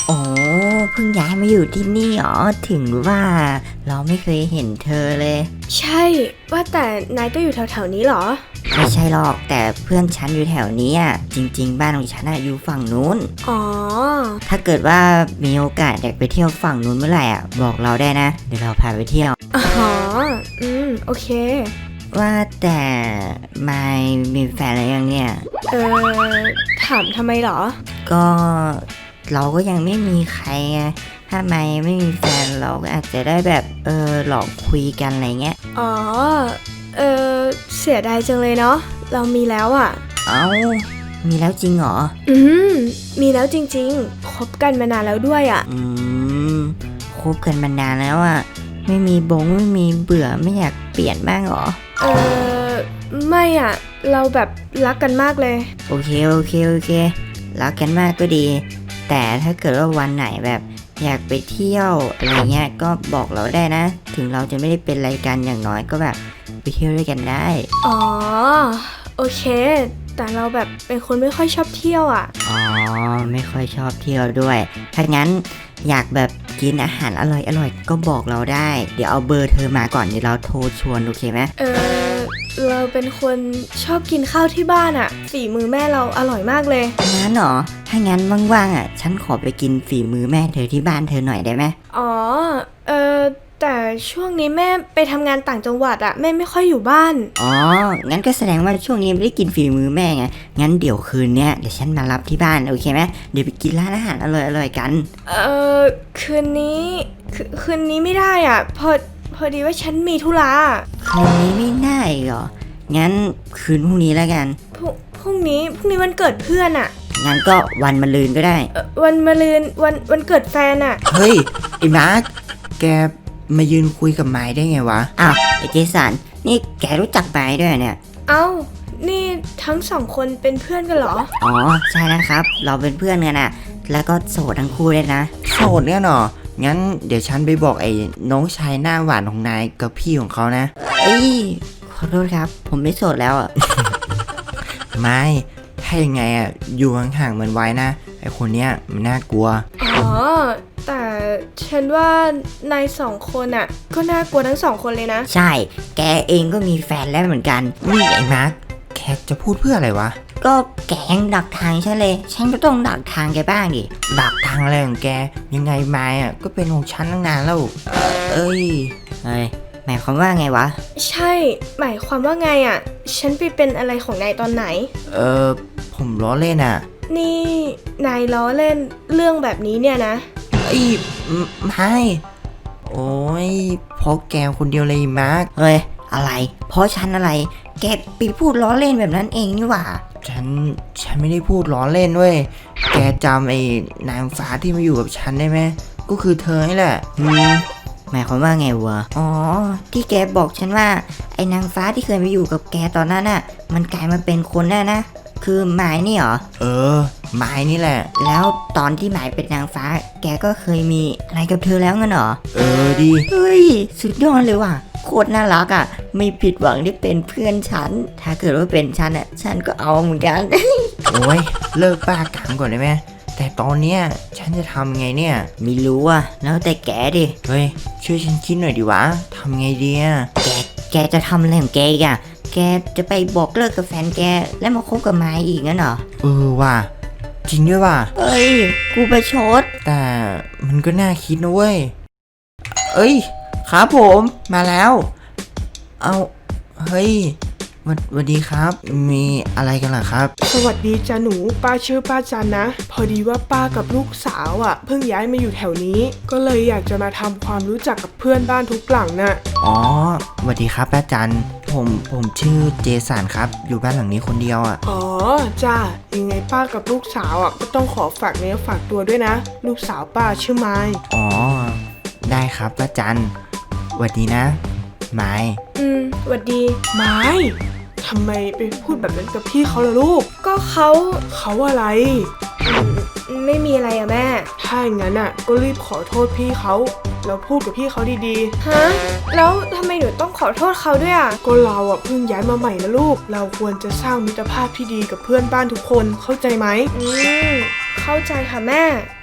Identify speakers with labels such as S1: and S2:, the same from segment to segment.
S1: โอ้เพิ่งย้ายมาอยู่ที่นี่อ๋อถึงว่าเราไม่เคยเห็นเธอเลย
S2: ใช่ว่าแต่นายก็อยู่แถวๆนี้เหรอ
S1: ไม่ใช่หรอกแต่เพื่อนฉันอยู่แถวนี้อ่ะจริงๆบ้านของฉันอยู่ฝั่งนู้น
S2: อ๋อ
S1: ถ้าเกิดว่ามีโอกาสอยากไปเที่ยวฝั่งนู้นเมื่อไหร่อ่ะบอกเราได้นะเดี๋ยวเราพาไปเที่ยว
S2: อ๋อโอเค
S1: ว่าแต่ไม่มีแฟนอะไรยังเนี่ย
S2: เอถามทำไมเหรอ
S1: ก็เราก็ยังไม่มีใครไงถ้าไม่มีแฟนเราก็อาจจะได้แบบหลอกคุยกันอะไรเงี้ย
S2: อ๋อเออเสียดายจังเลยเนาะเรามีแล้วอ่ะ
S1: เอ้ามีแล้วจริงเหรอ
S2: มีแล้วจริงๆคบกันมานานแล้วด้วยอ่ะ
S1: คบกันมานานแล้วอ่ะไม่มีไม่มีเบื่อไม่อยากเปลี่ยนบ้างเหรอ
S2: ไม่อ่ะเราแบบรักกันมากเลย
S1: โอเครักกันมากก็ดีแต่ถ้าเกิดว่าวันไหนแบบอยากไปเที่ยวอะไรเงี้ยก็บอกเราได้นะถึงเราจะไม่ได้เป็นรายการอย่างน้อยก็แบบไปเที่ยวด้วยกันได้
S2: อ๋อโอเคแต่เราแบบเป็นคนไม่ค่อยชอบเที่ยวอ่ะ
S1: อ๋อไม่ค่อยชอบเที่ยวด้วยถ้างั้นอยากแบบกินอาหารอร่อยก็บอกเราได้เดี๋ยวเอาเบอร์เธอมาก่อนเดี๋ยวเราโทรชวนโอเคไหม
S2: เราเป็นคนชอบกินข้าวที่บ้านอ่ะฝีมือแม่เราอร่อยมากเลย
S1: งั้นเหรอถ้างั้นว่างๆฉันขอไปกินฝีมือแม่เธอที่บ้านเธอหน่อยได้ไหม
S2: อ๋อแต่ช่วงนี้แม่ไปทำงานต่างจังหวัดอ่ะแม่ไม่ค่อยอยู่บ้าน
S1: อ๋องั้นก็แสดงว่าช่วงนี้ไม่ได้กินฝีมือแม่ไงงั้นเดี๋ยวคืนเนี้ยเดี๋ยวฉันมารับที่บ้านโอเคไหมเดี๋ยวไปกินร้านอาหารอร่อยๆกัน
S2: คืนนี้คืนนี้ไม่ได้อ่ะพอดีว่าฉันมีธุระ
S1: คืนนี้ไม่ได้เหรองั้นคืนพรุ่งนี้แล้วกัน
S2: พรุ่งนี้วันเกิดเพื่อนอ่ะ
S1: งั้นก็วันมะรืนก็ได้
S2: วันมะรืนวันเกิดแฟนอ่ะ
S3: เฮ้ยไอ้มาร์คแกมายืนคุยกับไม้ได้ไงวะ
S1: อ้าวไอ้เจสันนี่แกรู้จักไม้ด้วยเนี่ย
S2: เอ้านี่ทั้งสองคนเป็นเพื่อนกันเหรอ
S1: อ๋อใช่นะครับเราเป็นเพื่อนกันอ่ะแล้วก็โสดทั้งคู่เลยนะ
S3: โสดเนี่ยเนาะงั้นเดี๋ยวฉันไปบอกไอ้น้องชายหน้าหวานของนายกับพี่ของเขานะ
S1: เอ้ยขอโทษครับผมไม่โสดแล้วอ่ะ
S3: ไม่ถ้ายังไงอ่ะอยู่ห่างๆมันไว้นะไอ้คนเนี้ยมันน่ากลัว
S2: อ๋อแต่ฉันว่านายสองคนอ่ะก็น่ากลัวทั้งสองคนเลยนะ
S1: ใช่แกเองก็มีแฟนแล้วเหมือนกัน
S3: นี่ไอ้มาร์คแคทจะพูดเพื่ออะไรวะ
S1: ก็แกยังดักทางฉันเลยฉันก็ต้องดักทางแกบ้างดิ
S3: ดักทางอะไรของแกยังไงไม้อ่ะก็เป็นของฉันตั้งนานแล้วเอ้ย
S1: หมายความว่าไงวะ
S2: ใช่หมายความว่าไงอ่ะฉันไปเป็นอะไรของนายตอนไหน
S3: ผมล้อเล่นอ่ะ
S2: นี่นายล้อเล่นเรื่องแบบนี้เนี่ยนะ
S3: ไม่โอ้ยเพราะแกคนเดียวเลยมาร์ค
S1: เฮ้ยอะไรเพราะฉันอะไรแกไปพูดล้อเล่นแบบนั้นเองนี่หว่า
S3: ฉันไม่ได้พูดล้อเล่นเว้ยแกจำไอ้นางฟ้าที่มาอยู่กับฉันได้ไหมก็คือเธอนี่แหละ
S1: หมายความว่าไงวะอ๋อที่แกบอกฉันว่าไอ้นางฟ้าที่เคยมาอยู่กับแกตอนนั้นน่ะมันกลายมาเป็นคนแน่นะคือหมายนี่เหรอ
S3: หมายนี่แหละ
S1: แล้วตอนที่หมายเป็นนางฟ้าแกก็เคยมีอะไรกับเธอแล้วงั้นเหรอ
S3: ดี
S1: เฮ้ยสุดยอดเลยว่ะโคตรน่ารักอ่ะไม่ผิดหวังที่เป็นเพื่อนฉันถ้าเกิดว่าเป็นฉันอ่ะฉันก็เอาเหมือนกัน
S3: โอ้ยเลิกบ้ากังก่อนได้ไหมแต่ตอนเนี้ยฉันจะทำไงเนี่ย
S1: ไม่รู้อ่ะแล้วแต่แกดิ
S3: เฮ้ยช่วยฉันคิดหน่อยดิวะทำไงดีอ่ะ
S1: แกจะทำอะไรของแกอีกอ่ะแกจะไปบอกเลิกกับแฟนแกแล้วมาคบกับไม้อีกงั้นเหรอ
S3: ว่ะจริงด้วยว่ะ
S1: เอ้ยกูประชด
S3: แต่มันก็น่าคิดนะเว้ยเอ้ยครับผมมาแล้วเอาเฮ้ยสวัสดีครับมีอะไรกันเหรอครับ
S4: สวัสดีจ้าหนูป้าชื่อป้าจันนะพอดีว่าป้ากับลูกสาวเพิ่งย้ายมาอยู่แถวนี้ก็เลยอยากจะมาทำความรู้จักกับเพื่อนบ้านทุกหลังน่ะ
S3: อ๋อสวัสดีครับป้าจันผมชื่อเจสันครับอยู่บ้านหลังนี้คนเดียว
S4: อ๋อจ้ายังไงป้ากับลูกสาวก็ต้องขอฝากเนื้อฝากตัวด้วยนะลูกสาวป้าชื่อไม้
S3: อ๋อได้ครับป้าจันสวัสดีนะไม้
S2: สวัสดี
S4: ไม้ทำไมไปพูดแบบนั้นกับพี่เขาล่ะลูก
S2: ก็เขา
S4: อะไร
S2: ไม่มีอะไรอะแม่
S4: ถ้าอย่างนั้นก็รีบขอโทษพี่เขาแล้วพูดกับพี่เขาดี
S2: ๆฮะแล้วทำไมหนูต้องขอโทษเขาด้วย
S4: ก็เราเพิ่งย้ายมาใหม่นะลูกเราควรจะสร้างมิตรภาพที่ดีกับเพื่อนบ้านทุกคนเข้าใจไหม
S2: เข้าใจค่ะแม่ค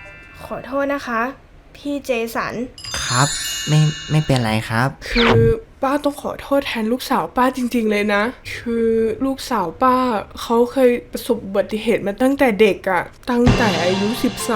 S2: อโทษนะคะ พี่เจสัน
S3: ครับ ไม่เป็นไรครับ
S4: คือป้าต้องขอโทษแทนลูกสาวป้าจริงๆเลยนะ คือลูกสาวป้าเขาเคยประสบอุบัติเหตุมาตั้งแต่เด็กอะตั้งแต่อายุ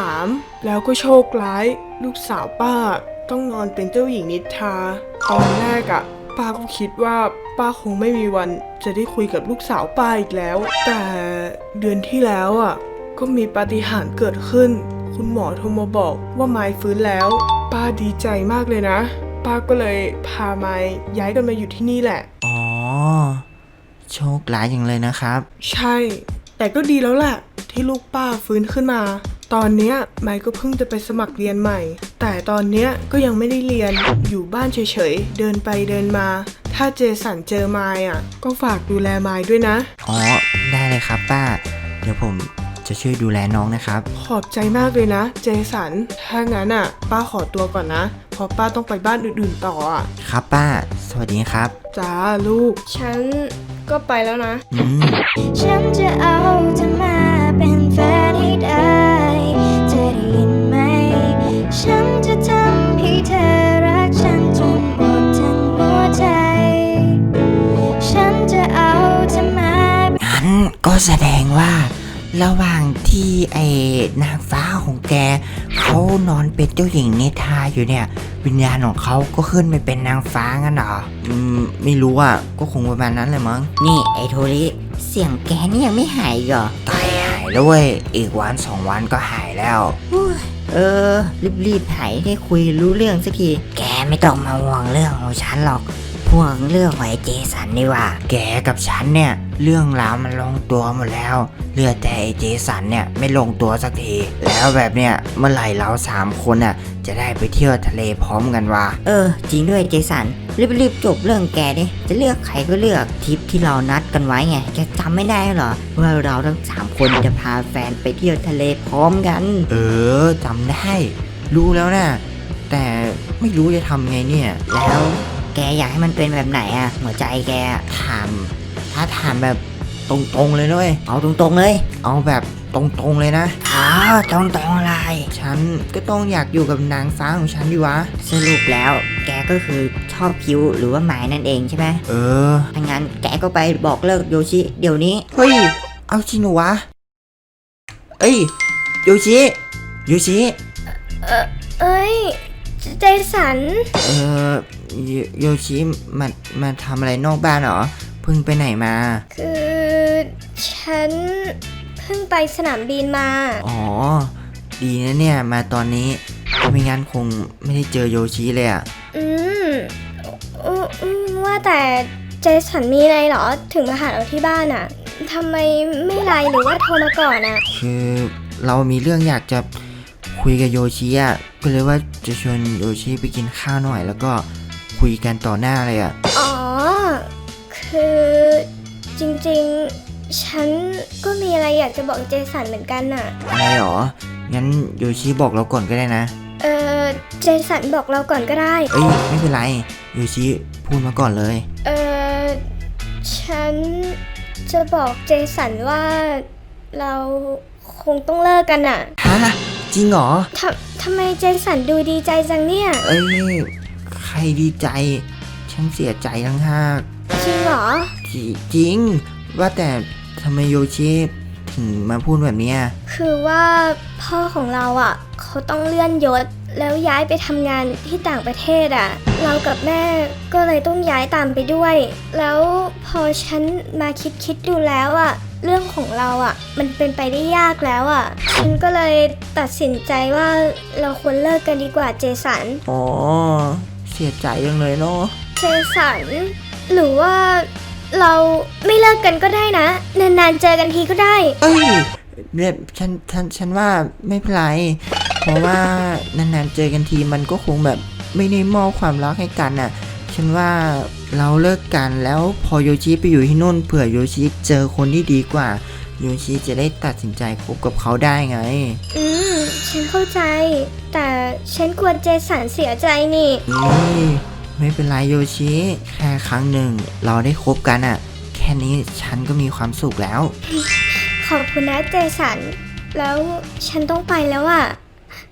S4: 13 แล้วก็โชคร้าย ลูกสาวป้าต้องนอนเป็นเจ้าหญิงนิทราตอนแรกอะป้าก็คิดว่าป้าคงไม่มีวันจะได้คุยกับลูกสาวป้าอีกแล้ว แต่เดือนที่แล้วอะก็มีปาฏิหาริย์เกิดขึ้น คุณหมอโทรมาบอกว่าไมค์ฟื้นแล้ว ป้าดีใจมากเลยนะ ป้าก็เลยพาไมค์ย้ายกันมาอยู่ที่นี่แหละ
S3: อ๋อ โชคร้ายจังเลยนะครับ
S4: ใช่ แต่ก็ดีแล้วแหละที่ลูกป้าฟื้นขึ้นมา ตอนเนี้ยไมค์ก็เพิ่งจะไปสมัครเรียนใหม่ แต่ตอนเนี้ยก็ยังไม่ได้เรียน อยู่บ้านเฉยๆ เดินไปเดินมา ถ้าเจสันเจอไมค์อ่ะ ก็ฝากดูแลไมค์ด้วยนะ
S3: อ๋อ ได้เลยครับป้า เดี๋ยวผมจะช่วยดูแลน้องนะครับ
S4: ขอบใจมากเลยนะ เจสัน ถ้างั้นอ่ะ ป้าขอตัวก่อนนะ เพราะป้าต้องไปบ้านอื่นๆต่ออ่ะ
S3: ครับป้า สวัสดีครับ
S4: จ้าลูก
S2: ฉันก็ไปแล้วนะ
S5: ฉันจะเอาเธอมาเป็นแฟนให้ได้เธอได้ยินไหม ฉันจะทำให้เธอรักฉันจนหมดทั้งหัวใจ ฉันจะเอาเธอมา
S3: งั้นก็แสดงว่า ระหว่างที่ไอ้นางฟ้าของแกเขานอนเป็นเจ้าหญิงนิทราอยู่เนี่ย วิญญาณของเขาก็ขึ้นไปเป็นนางฟ้างั้นเหรอไม่รู้อ่ะก็คงประมาณนั้นเลยมั้ง
S1: นี่ไอ้โทริเสียงแกนี่ยังไม่หายอีกเหรอ
S3: ตายหายแล้วเว้ยอีกวัน2 วันก็หายแล้ว
S1: เออ รีบหายได้คุยรู้เรื่องสักที แกไม่ต้องมาห่วงเรื่องของฉันหรอกห่วงเรื่องของไอ้เจสันนี่ว่า
S3: แกกับฉันเนี่ยเรื่องราวมันลงตัวหมดแล้วเหลือแต่ไอ้เจสันเนี่ยไม่ลงตัวสักทีแล้วแบบเนี้ยเมื่อไหร่เรา3 คนน่ะจะได้ไปเที่ยวทะเลพร้อมกันวะ
S1: เออ จริงด้วยเจสันรีบจบเรื่องแกดิจะเลือกใครก็เลือกทริปที่เรานัดกันไว้ไงแกจำไม่ได้เหรอว่าเราทั้ง3 คนจะพาแฟนไปเที่ยวทะเลพร้อมกัน
S3: เออจำได้รู้แล้วนะแต่ไม่รู้จะทำไงเนี่ย
S1: แล้วแกอยากให้มันเป็นแบบไหนอะหัวใจแกอะ
S3: ถ้าถามแบบตรงๆเลยด้วย
S1: เอาตรงๆเลย
S3: เอาแบบตรงๆเลยนะ
S1: อ้าวตรงๆอะไร
S3: ฉันก็ต้องอยากอยู่กับนางฟ้าของฉันดิวะ
S1: สรุปแล้วแกก็คือชอบคิวหรือว่าหมายนั่นเองใช่ไหม
S3: เออ
S1: ถ้างั้นแกก็ไปบอกเลิกโยชิเดี๋ยวนี้
S3: เฮ้ย เอาจริงเหรอวะ เอ้ย โยชิ โยชิ
S2: เอ้ย เจสัน
S3: เออโยชิมาทำอะไรนอกบ้านเหรอ เพิ่งไปไหนมา
S2: คือฉันเพิ่งไปสนามบินมา
S3: อ๋อ ดีนะเนี่ย มาตอนนี้ไม่งั้นคงไม่ได้เจอโยชิเลยอะ
S2: อืมว่าแต่เจสันมีอะไรเหรอ ถึงมาหาเราที่บ้านอะทำไมไม่ไลน์หรือว่าโทรมาก่อนอะ
S3: คือเรามีเรื่องอยากจะคุยกับโยชิอะก็เลยว่าจะชวนโยชิไปกินข้าวหน่อย แล้วก็คุยกันต่อหน้าเลยอะ
S2: อ๋อ คือจริงๆ ฉันก็มีอะไรอยากจะบอกเจสันเหมือนกันน่ะ
S3: อะไรหรอ งั้นโยชิบอกเราก่อนก็ได้นะ
S2: เจสันบอกเราก่อนก็ได้
S3: เอ้ยไม่เป็นไร โยชิพูดมาก่อนเลย
S2: ฉันจะบอกเจสันว่าเราคงต้องเลิกกันน่ะ
S3: ฮะ จริงเหรอ
S2: ทำไมเจสันดูดีใจจังเนี่ย
S3: เอ้ย ใครดีใจ ฉันเสียใจทั้งห้าก
S2: จริงเหรอ
S3: จริง ว่าแต่ทำไมโยชิถึงมาพูดแบบเนี้ย
S2: คือว่าพ่อของเราอ่ะ เขาต้องเลื่อนยศแล้วย้ายไปทำงานที่ต่างประเทศอ่ะ เรากับแม่ก็เลยต้องย้ายตามไปด้วย แล้วพอฉันมาคิดดูแล้วอ่ะ เรื่องของเราอ่ะ มันเป็นไปได้ยากแล้วอ่ะ ฉันก็เลยตัดสินใจว่าเราควรเลิกกันดีกว่าเจสัน
S3: อ๋อ เสียใจจังเลยเนาะ
S2: เจสัน หรือว่าเราไม่เลิกกันก็ได้นะ นานๆเจอกันทีก็ได้
S3: เอ้ยเนี่ยฉันว่าไม่เป็นไร เพราะว่านานๆเจอกันทีมันก็คงแบบไม่ได้มอบความรักให้กันน่ะ ฉันว่าเราเลิกกันแล้วพอโยชิไปอยู่ที่นู่นเผื่อโยชิเจอคนที่ดีกว่า โยชิจะได้ตัดสินใจคบกับเขาได้ไง
S2: ฉันเข้าใจ แต่ฉันกลัวเจสันเสียใจนี่
S3: นี่ไม่เป็นไรโยชิ แค่ครั้งหนึ่งเราได้คบกันอ่ะ แค่นี้ฉันก็มีความสุขแล้ว
S2: ขอบคุณนะเจสัน แล้วฉันต้องไปแล้วอะ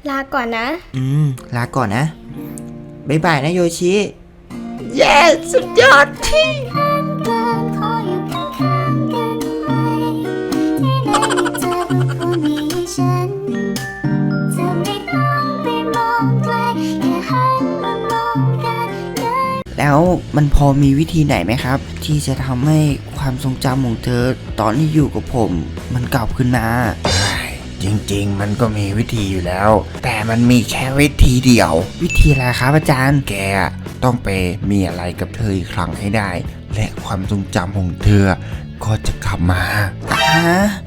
S2: ลาก่อนนะ
S3: ลาก่อนนะบ๊ายบายนะโยชิ เย้สุดยอดที่
S5: ขออยู่ข้างๆกันไหมที่ไหนมีเธอเป็นคนมีฉันจะไม่ต้องไปมองไกลแค่หันมามองกันได้
S3: แล้วมันพอมีวิธีไหนไหมครับ ที่จะทำให้ความทรงจำของเธอตอนที่อยู่กับผมมันกลับขึ้นมา
S6: จริงๆ มันก็มีวิธีอยู่แล้ว แต่มันมีแค่วิธีเดียว
S3: วิธีอะไรครับอาจารย์
S6: แกต้องไปมีอะไรกับเธออีกครั้งให้ได้ และความทรงจำของเธอก็จะกลับมา
S3: ฮะ